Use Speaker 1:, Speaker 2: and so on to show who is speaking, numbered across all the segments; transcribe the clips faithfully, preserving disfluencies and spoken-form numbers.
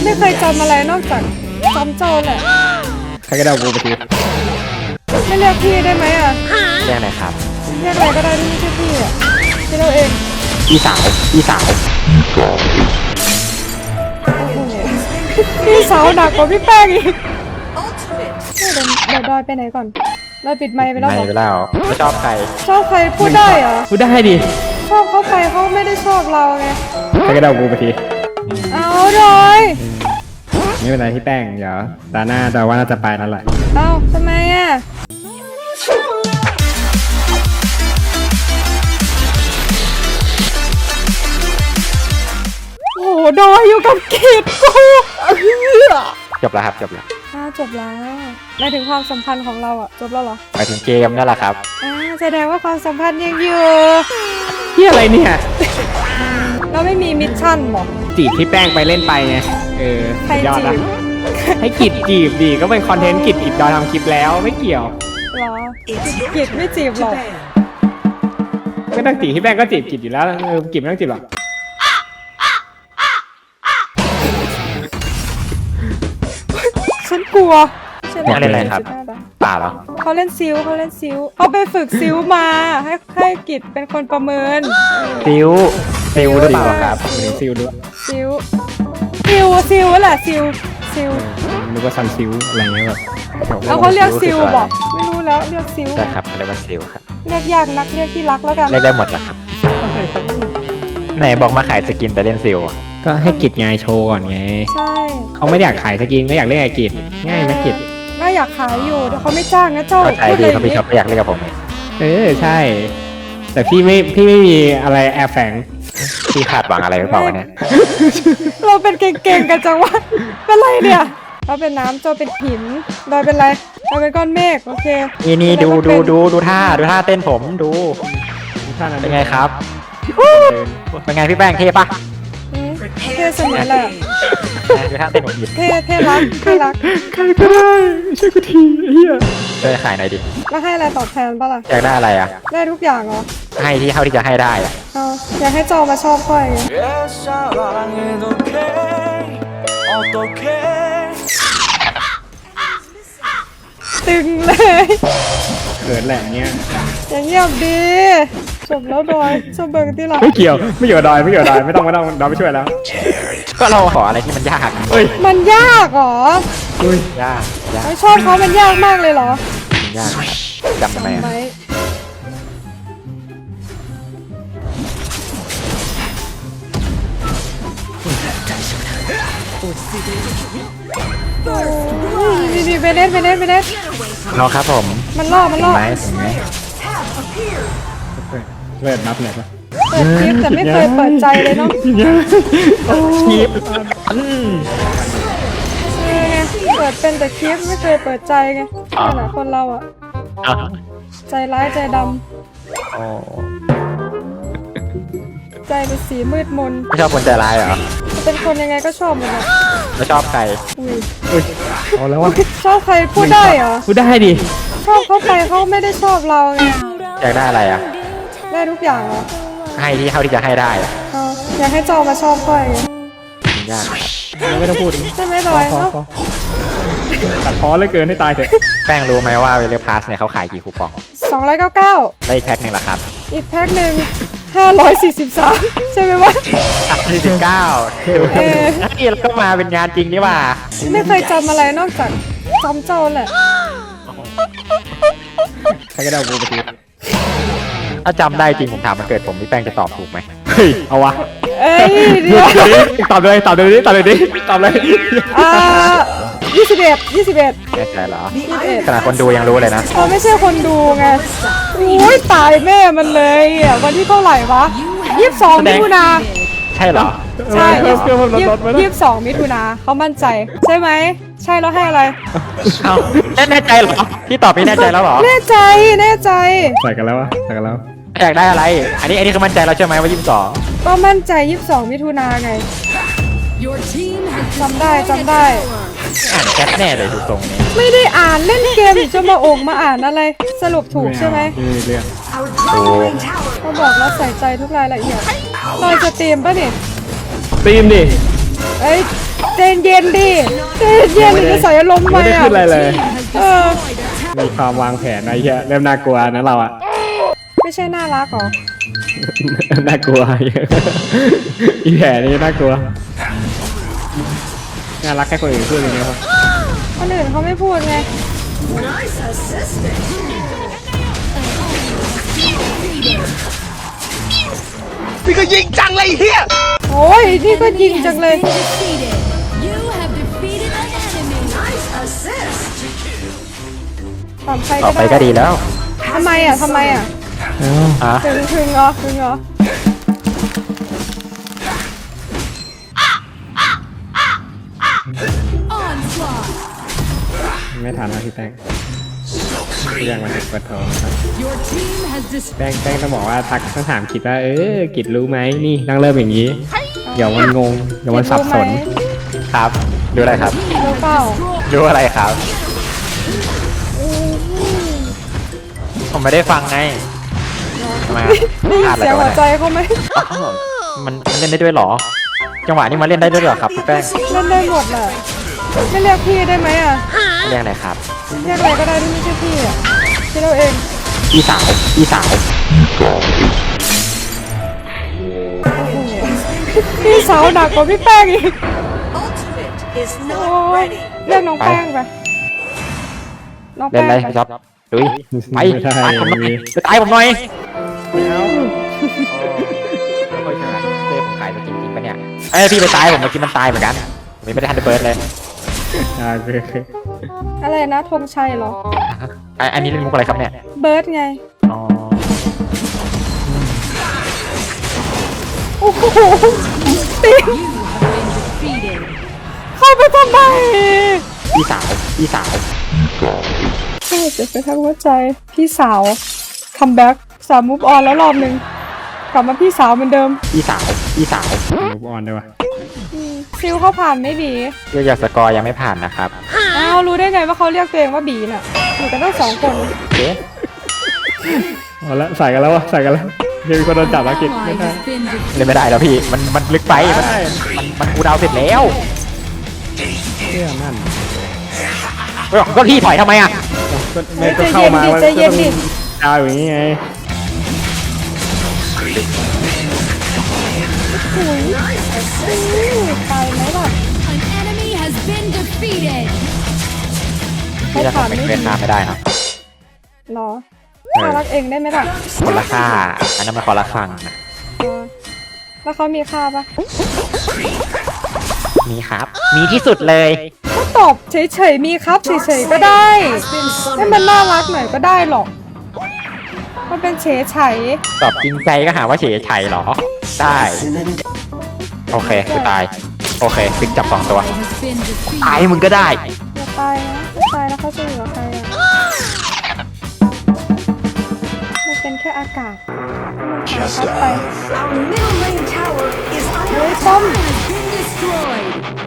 Speaker 1: ไม่เคยจำอะไรนอกจากจำเจ้าแหละ
Speaker 2: ใครก็ได้กูไปที
Speaker 1: ไม่เรียกพี่ได้ไหมอ่ะ
Speaker 3: เรียกอะไรครับ
Speaker 1: เรียกอะไรก็ได้ที่ไม่ใช่พี่อ่ะพี่เราเอง
Speaker 3: อีสาวอีสาว
Speaker 1: พี่สาวหนักกว่าพี่แป้งอีกเดี๋ยวเดี๋ยวดอยไปไหนก่อนเราปิดไมค์ไปแล้ว
Speaker 3: ไม่ไปแล้วไม่ชอบใคร
Speaker 1: ชอบใครพูดได้เหรอ
Speaker 2: พูดได้ดิ
Speaker 1: ชอบเขาไปเขาไม่ได้ชอบเราไง
Speaker 2: ใครก็ได้กูไปที
Speaker 1: เอาดอย
Speaker 2: ไม่เป็นไรที่แป้งเดี๋ยวตาหน้าดอยว่าน่าจะไปแล้วแหละ
Speaker 1: เอาทำไมอ่ะโอ้ดอยอยู่กับกิจกู
Speaker 3: จบแล้วครับจบแล้ว
Speaker 1: อ่าจบแล้วหมายถึงความสัมพันธ์ของเราอ่ะจบแล้วเหรอ
Speaker 3: หมายถึงเกมนั่นแหละครับ
Speaker 1: อ่าแสดงว่าความสัมพันธ์ยังอยู่
Speaker 2: ที่อะไรเนี่ย
Speaker 1: เราไม่มีมิชชั่นหรอ
Speaker 2: จีบที่แป้งไปเล่นไปไงเออยอดนะให้กิจจีบดีก็เป็นคอนเทนต์กิจกิจดอยทำคลิปแล้วไม่เกี่ยว
Speaker 1: หรอกิจไม่จีบหรอก
Speaker 2: ไม่ต้องจีบที่แป้งก็จีบกิจอยู่แล้วเออกิจไม่ต้องจีบหรอก
Speaker 1: ฉันกลัวใช่ไหม
Speaker 3: เล่นอะไรครับป่าเหรอ
Speaker 1: เขาเล่นซิวเขาเล่นซิวเขาไปฝึกซิวมาให้ให้กิจเป็นคนประเมิน
Speaker 3: ซิวซิวหรือเปล่าครับ
Speaker 2: ซิวด้วย
Speaker 1: ซิวซิวซิวแหละซิวซิว
Speaker 2: นึกว่าซันซิวอะไรเงี้ยแบบ
Speaker 1: แล้วเขาเรียกซิวบอกไม่รู้แล้วเรียกซิว
Speaker 3: ใช่ครับเรียกว่าซิวครับ
Speaker 1: เรียกยากนักเรียกที่รักแล้วกัน
Speaker 3: เรียกได้หมดแหละครับไหนบอกมาขายสกินแต่เล่นซิว
Speaker 2: ก็ให้กิจไงโชว์ก่อนไง
Speaker 1: ใช่
Speaker 2: เขาไม่อยากขายสกินก็อยากเล่นไอ้กิจง่ายไหมกิจ
Speaker 1: ก็อยากขายอยู่แต่เขาไม่จ้างนะเจ้า
Speaker 3: ใช่พี่เขาพี่ชอบอยากเล่นกับผม
Speaker 2: เออใช่แต่พี่ไม่พี่ไม่มีอะไรแอบแฝง
Speaker 3: พี่คาดหวังอะไรหรือเปล่าเนี่ย
Speaker 1: เราเป็นเก่งๆกันจังวะเป็นไรเนี่ยเราเป็นน้ำเจ้าเป็นหินดอยเป็นไรเราเป็นก้อนเมฆโอเค
Speaker 3: นี่นี่ดูดูดูดูท่าดูท่าเต้นผมดูท่านั้นเป็นไงครับเป็นไงพี่แป้งเท่ปะ
Speaker 1: เท่สนิทเลย
Speaker 3: ดูท่าเต้นผมดิ
Speaker 1: เท่เท่รักเท่รัก
Speaker 2: ใครก็ได้ช่วยกูทีเฮีย
Speaker 3: ช่วยขายหน่อยดิ
Speaker 1: แล้วให้อะไรตอบแทนป่ะล่ะ
Speaker 3: อยากได้อะไรอ่ะ
Speaker 1: ได้ทุกอย่างเหรอ
Speaker 3: ให้ที่เท่าที่จะให้ได้อ่ะ
Speaker 1: เอาอยากให้เจ้ามาชอบค่อยไงตึงเลย
Speaker 2: เกิดแหละเนี้ย
Speaker 1: อย่างเงียบดีจบแล้วดอยชอบเบิร์กที่หลัง
Speaker 2: ไม่เกี่ยวไม่เกี่ยวดอยไม่เกี่ยวดอยไม่ต้องไม่ต้องดอยไม่ช่วยแล้ว
Speaker 3: ก็เราขออะไรที่มันยาก
Speaker 2: เฮ้ย
Speaker 1: มันยากเหรอ
Speaker 2: เฮ้ย
Speaker 3: ยากยาก
Speaker 1: ไม่ชอบเขามันยากมากเลยเหร
Speaker 3: อยากจำทำไมอ่ะ
Speaker 1: ดีดีไปเล่นไปเล่นไปเล่น
Speaker 3: รอครับผม
Speaker 1: มันล่อมันล่อ
Speaker 3: ไหมถึงไหม
Speaker 2: เปิดนับเลยปะ
Speaker 1: เปิดคลิปแต่ไม่เคยเปิดใจเลยเนาะ
Speaker 2: คลิป
Speaker 1: เปิดเป็นแต่คลิปไม่เคยเปิดใจไงขนาดคนเราอ่ะใจร้ายใจดำใจเป็นสีมืดมน
Speaker 3: ไม่ชอบคนใจร้ายเหรอ
Speaker 1: เป็นคนยังไงก็ชอบหมดเลย
Speaker 3: ไม่ชอบใคร
Speaker 2: อุ้ยเอาแล้ววะ
Speaker 1: ชอบใครพูดได้เหรอ
Speaker 2: พูดได้ดิ
Speaker 1: ชอบเขาไปเขาไม่ได้ชอบเราไง
Speaker 3: อยากได้อะไรอ่ะ
Speaker 1: ได้ทุกอย่างเหรอ
Speaker 3: ให้ที่เท่าที่จะให้ได้อ่ะ
Speaker 1: อยากให้เจ้ามาชอบค่อยไง
Speaker 3: ยาก
Speaker 2: ไม่ต้องพูด
Speaker 1: ใช่ไหมดอยเนาะ
Speaker 2: ตัดพ้อเลยเกินให้ตายเถอะ
Speaker 3: แป้งรู้ไหมว่าเวลพาสเนี่ยเขาขายกี่คูปอง
Speaker 1: สองร้อยเก้าสิบเก้า
Speaker 3: ได้อีกแพ็คหนึ่งละครับ
Speaker 1: อีกแพ็คหนึ่งห้าร้อยสี่สิบสามใช่ไหมวะ
Speaker 3: สี่สิบเก้านี่เราก็มาเป็นงานจริงนี่ว่า
Speaker 1: ไม่เคยจำอะไรนอกจากจำเจ้าแหละ
Speaker 2: ใครก็ได้กูไปที
Speaker 3: ถ้าจำได้จริงผมถามมันเกิดผมพี่แป้งจะตอบถูกไหม
Speaker 2: เฮ้ยเอาวะ
Speaker 1: เอ้ยเดี๋ยว
Speaker 2: ตอบเลยตอบเลยดิตอบเลยดิตอบเลย
Speaker 1: อ่ายี่สิบเอ็ดยี่สิบเอ็ด
Speaker 3: แน่ใจเหรอขนาดคนดูยังรู้เลยนะ
Speaker 1: เขาไม่ใช่คนดูไงโอ้ยตายแม่มันเลยอ่ะวันที่เท่าไหร่วะยี่สิบสองมิถุนา
Speaker 3: ใช่เหรอ
Speaker 1: ใช่ยี่สิบสองมิถุนาเขามั่นใจใช่ไหมใช่แล้วให้อะไร
Speaker 3: เอาแน่ใจเหรอพี่ตอบไม่แน่ใจแล้วเหรอ
Speaker 1: แน่ใจแน่ใจ
Speaker 2: ใส่กันแล้ววะใส่กันแล้ว
Speaker 3: อยากได้อะไรอันนี้อันนี้คือมั่นใจเราใช่ไหมว่ายี่สิบสอง
Speaker 1: ก็มั่นใจยี่สิบสองมิถุนาไงจำได้จำได้
Speaker 3: อ่านแคปแน่เลยดูตรงนี้
Speaker 1: ไม่ได้อ่านเล่นเกมจะมาองมาอ่านอะไรสรุปถูกใช่ไหม
Speaker 2: เรื่อง
Speaker 1: เขาบอกแล้วใส่ใจทุกรายละเอียดเราจะเตรียมป่ะเนี่ย
Speaker 2: เตรียมดิ
Speaker 1: เอ้ยใจเย็นดิใจเย็นดิจะใส่อารมณ์
Speaker 2: ไม่
Speaker 1: มา
Speaker 2: ได้
Speaker 1: อ่ะ
Speaker 2: ขึ้นอะไรเลย
Speaker 1: เออ
Speaker 2: มีความวางแผนอะไรเงี้ยเริ่มน่ากลัวนะเราอะ
Speaker 1: ไม่ใช่น่ารักเหรอ
Speaker 2: น่ากลัว อีแผลนี่น่ากลัวน่ารักแค่คนอื่นพูดอย่างเงี้ยครับ
Speaker 1: คนอื่นเขาไม่พูดไง
Speaker 4: พี่ก็ยิงจังเลยเฮีย
Speaker 1: โอ้ยนี่ก็ยิงจังเลย
Speaker 5: Defeated. You have defeated an enemy. Nice assist.
Speaker 1: ตามใคร
Speaker 3: ต่อ
Speaker 1: ก็
Speaker 3: ไป
Speaker 1: ได้
Speaker 3: ก็ดีแล้ว
Speaker 1: ทำไมอ่ะทำไมอ่ะ
Speaker 3: อ่ะ
Speaker 1: ถึงถึงเหรอถึงเหรอ
Speaker 5: Onslaught.
Speaker 2: ไม่ทันนะพี่แป้งเรื่องมันเปิดโทรครับ
Speaker 5: Your team has dis-
Speaker 2: แป้งแป้งต้องบอกว่าทักต้องถามกิจว่าเออกิจรู้ไหมนี่ต้องเริ่มอย่างนี้เดี๋ยวมันงงเดี๋ยวมันสับสน
Speaker 3: ครับ ดูอะไรครับ
Speaker 1: รู้เปล่า
Speaker 3: ดูอะไรครับ ผมไม่ได้ฟังไงทำไมอะ
Speaker 1: ได้ยิ
Speaker 3: พลาน ดอะไร
Speaker 1: เสียง
Speaker 3: กัน
Speaker 1: หั
Speaker 3: วะ
Speaker 1: วใจ
Speaker 3: เนี่ย
Speaker 1: เขาไหม
Speaker 3: อ้าวมันมันเล่นได้ด้วยเหรอ จังหวะนี้มาเล่นได้ด้วยเหรอครับพี่แป้ง
Speaker 1: เล่นได้หมดแหละไม่เรียกพี่ได้ไหมอ่ะ
Speaker 3: เรียกอะไรครับ
Speaker 1: เรียกอะไรก็ได้ที่ไม่ใช่พี่อ่ะคิดเอาเอง
Speaker 3: อีสาว อีสาว
Speaker 1: พี่สาวหนักกว่าพี่แป้งอีก
Speaker 6: Ultimate is
Speaker 1: โอ้
Speaker 6: not
Speaker 1: ย
Speaker 6: ready.
Speaker 1: เรียกน้องแป้งไปน้อง
Speaker 3: เล่
Speaker 1: แป้
Speaker 3: น
Speaker 1: ง
Speaker 3: อะไร
Speaker 1: ไป
Speaker 3: พี่จ๊อบดุยไป
Speaker 2: ไม่ได้
Speaker 3: ตายผมหน่อย
Speaker 2: มี
Speaker 3: ไปตายผมหน่อยแล้วไม่เคยชนะเต้ผมขายตัวจริงๆปะเนี่ยเอ้ยพี่ไปตายผมเมื่อกี้มันตายเหมือนกันผมยังไม่ได้ทันได้เบิร์ดเลย
Speaker 2: อ่าคือ
Speaker 1: อะไรนะธงชัยเหรอ
Speaker 3: อ่ะอันนี้เล่นมุกอะไรครับเนี่ย
Speaker 1: เบิร์ดไง
Speaker 3: อ๋อ
Speaker 1: โอ้โหตี
Speaker 5: defeated.
Speaker 1: เข้าไปทำไม
Speaker 3: อีสาว อีสาว
Speaker 1: ใช่เจ็บไปทั้งหัวใจ พี่สาวคัมแบ็กสามมูฟออนแล้วรอบหนึ่งกลับมาพี่สาวเหมือนเดิม
Speaker 3: อีสาว อีสาว
Speaker 2: มูฟออนด้วยวะ
Speaker 1: ฟิลเขาผ่านไม่บี
Speaker 3: เรียกยอดสกอร์ยังไม่ผ่านนะครับ
Speaker 1: อ้าวรู้ได้ไงว่าเขาเรียกตัวเองว่าบีน่ะอยู่กันตั้งสองคน
Speaker 3: เอ๊ะ
Speaker 2: เอาละใส่กันแล้ววะใส่กันแล้วเดี๋ยวมีคนโดนจับแล้วกิจ
Speaker 5: Ally
Speaker 2: ไม่ได้
Speaker 5: has been defeated.
Speaker 3: เล่นไม่ได้แล้วพี่ มันมันลึกไป มันมันมันกูดาวเสร็จแล้ว
Speaker 2: เชื่อนั่น
Speaker 3: เฮ้ยก็พี่ถอยทำไมอ่ะ
Speaker 2: ก็ไม่ก็เข้ามาว่าก็ต้องดาวอย่างนี้ไง
Speaker 1: ตายไหมล่ะ
Speaker 5: An enemy has been defeated.
Speaker 1: เขา
Speaker 3: พี่จะ
Speaker 1: ผ่าน
Speaker 3: ทำเป็น
Speaker 1: ไม่
Speaker 3: เว
Speaker 1: ดี
Speaker 3: ทนาไม่ได้นะ
Speaker 1: หรอน่ารักเองได้ไหมล่ะ
Speaker 3: คนละค่า อันนั้นมันคนละครังนะ
Speaker 1: อ๋อแล้วเขามีค่าปะ
Speaker 3: มีครับ มีที่สุดเลย
Speaker 1: ก็ตอบเฉยๆมีครับเฉยๆก็ได้ให้มันน่ารักหน่อยก็ได้หรอกมันเป็นเฉยไฉ
Speaker 3: ตอบจริงใจก็หาว่าเฉยไฉเหรอ ได้ โอเคคือตาย โอเคฟิกจับสองตัว
Speaker 5: Ally has been defeated.
Speaker 3: ตายมึงก็ได้
Speaker 1: อย่าตายนะถ้าตายแล้วเขาจะอยู่กับใครอ่ะมันเป็นแค่อากาศมันหายพัดไป
Speaker 6: Our middle lane tower is
Speaker 1: เฮ้ย
Speaker 6: under
Speaker 1: ป้อม
Speaker 5: Has been destroyed.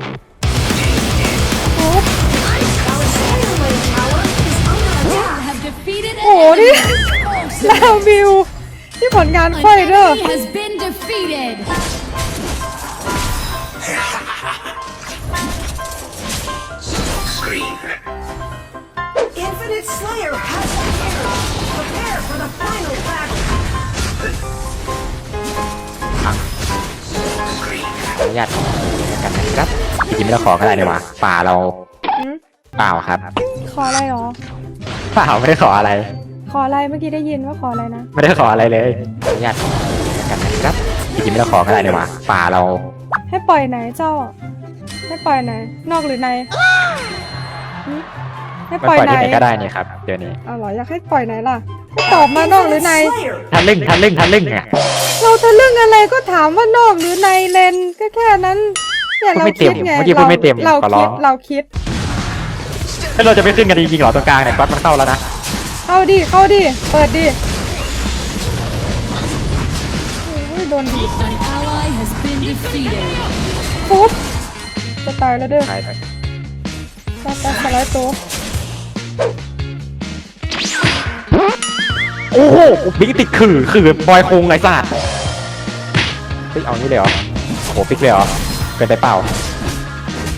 Speaker 1: ทุบ
Speaker 6: our center lane tower is under
Speaker 5: You
Speaker 6: attack.
Speaker 5: have defeated
Speaker 1: โอ้
Speaker 5: an
Speaker 1: โหนี่
Speaker 5: enemy.
Speaker 1: ลาววิวที่ผลงาน
Speaker 5: An
Speaker 1: ค่อยเด้อ
Speaker 5: enemy has been defeated.
Speaker 6: Infinite Slayer has appeared. Prepare for the final battle.
Speaker 3: ขออนุญาตกันนะครับจริงๆไม่ต้องขอก็ได้นี่หว่าป่าเรา
Speaker 1: หืม
Speaker 3: เปล่าครับ
Speaker 1: ขออะไรหรอ
Speaker 3: เปล่าไม่ได้ขออะไร
Speaker 1: ขออะไรเมื่อกี้ได้ยินว่าขออะไรนะ
Speaker 3: ไม่ได้ขออะไรเลยขออนุญาตกันนะครับจริงๆไม่ต้องขอก็ได้นี่หว่าป่าเรา
Speaker 1: ให้ปล่อยไหนเจ้า ให้ปล่อยไหน นอกหรือในหืมให้
Speaker 3: ไม่
Speaker 1: ปล่อย
Speaker 3: ปล่อย
Speaker 1: ไหน
Speaker 3: ที่ไหนก็ได้นี่ครับเดี๋ยวนี้
Speaker 1: เอาเหรออยากให้ปล่อยไหนล่ะให้ตอบมานอกหรือใน
Speaker 6: Slayer
Speaker 3: ทะลึ่งทะลึ่งทะลึ่งอ่ะ
Speaker 1: เราทะลึ่งอะไรก็ถามว่านอกหรือในเลนก็แค่นั้นเนี่ยเราคิดไง
Speaker 3: เมื่อกี้พูดไม่เต็ม
Speaker 1: เรา
Speaker 3: ขอร้
Speaker 1: คิ
Speaker 3: อ
Speaker 1: ด
Speaker 3: ง
Speaker 1: เราคิด
Speaker 3: ถ้าเราจะไปขึ้นกันจริงๆเหรอตรงกลางเนี่ยก๊อตมันเข้าแล้วนะ
Speaker 1: เข้าดิเข้าดิเปิดดิโอ้ยโดนดีด
Speaker 5: An ally has been defeated.
Speaker 1: ปุ๊บจะตายแล้วเด้อ
Speaker 3: ใช่ใช่
Speaker 1: ตายตายสไลด์ตัว
Speaker 3: โอ้โหบิ๊กติดขื่อขื่อบอยคงไรสัตว์เฮ้ยเอานี่เลยเหรอโอ้โหปิ๊กเลยเหรอเป็นไปเปล่า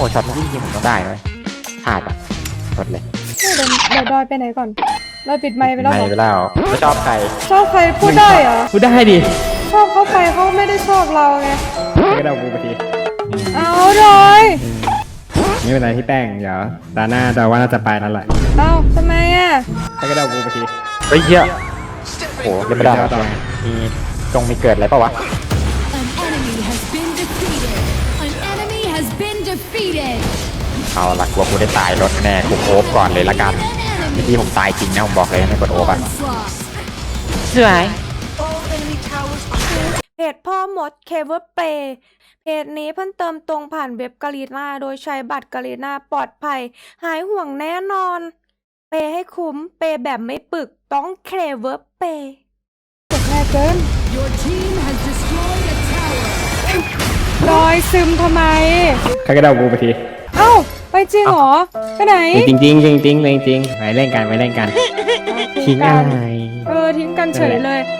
Speaker 3: ช็อตเมื่อกี้ยิงผมต้องได้เลยพลาดอ่ะกดเลย
Speaker 1: เดี๋ยวเดี๋ยวดอยไปไหนก่อนดอยปิดไมค์ไปแล้ว
Speaker 3: ไม่
Speaker 1: เหรอ
Speaker 3: ไปแล้วไม่ชอบใคร
Speaker 1: ชอบใครพูดได้เหรอ
Speaker 2: พูดได้ดิ
Speaker 1: ชอบเขาไปเขาไม่ได้ชอบเราไง
Speaker 2: ให้กระเดากูไปที
Speaker 1: เอาดอย
Speaker 2: ไม่เป็นไรพี่แป้งเดี๋ยวตาหน้าดาว่าน่าจะไปนั่นแหละ
Speaker 1: เอาทำไมอ่ะ
Speaker 2: ให้กระเดากูไปที
Speaker 3: เฮ้ยเหี้ยโอ้โหเล่นไม่ได้หรอมีตรงมีเกิดอะไรเปล่าวะ
Speaker 5: An enemy has been defeated. An enemy has been defeated.
Speaker 3: เอาละกลัวกูได้ตายรถแน่กูโอบก่อนเลยละกัน
Speaker 5: An
Speaker 3: เมื่อ
Speaker 5: enemy
Speaker 3: กี้ผมตายจริงนะผมบอกเลยไม่กดโอบอ่ะ
Speaker 5: onslaught.
Speaker 3: เชื่อไหม
Speaker 6: All enemy towers are
Speaker 1: เพจพ่อมดเคเวอร์เปย์เพจนี้เพิ่มเติมตรงผ่านเว็บกาลีนาโดยใช้บัตรกาลีนาปลอดภัย หายห่วงแน่นอน เปย์ให้คุ้ม เปย์แบบไม่ปึกต้องเคเวอร์เปย์กดง่ายเกิน
Speaker 5: Your team has destroyed a tower.
Speaker 1: รอยซึมทำไม
Speaker 2: ให้กระเดากูไปที
Speaker 1: เอ้า ไปจริงเหรอ ไปไหน
Speaker 2: จริงจริงจริงจริงจริงจริงไปเล่นกันไปเล่นกันทิ้งอะไร
Speaker 1: เออ ทิ้งกันเฉยเลย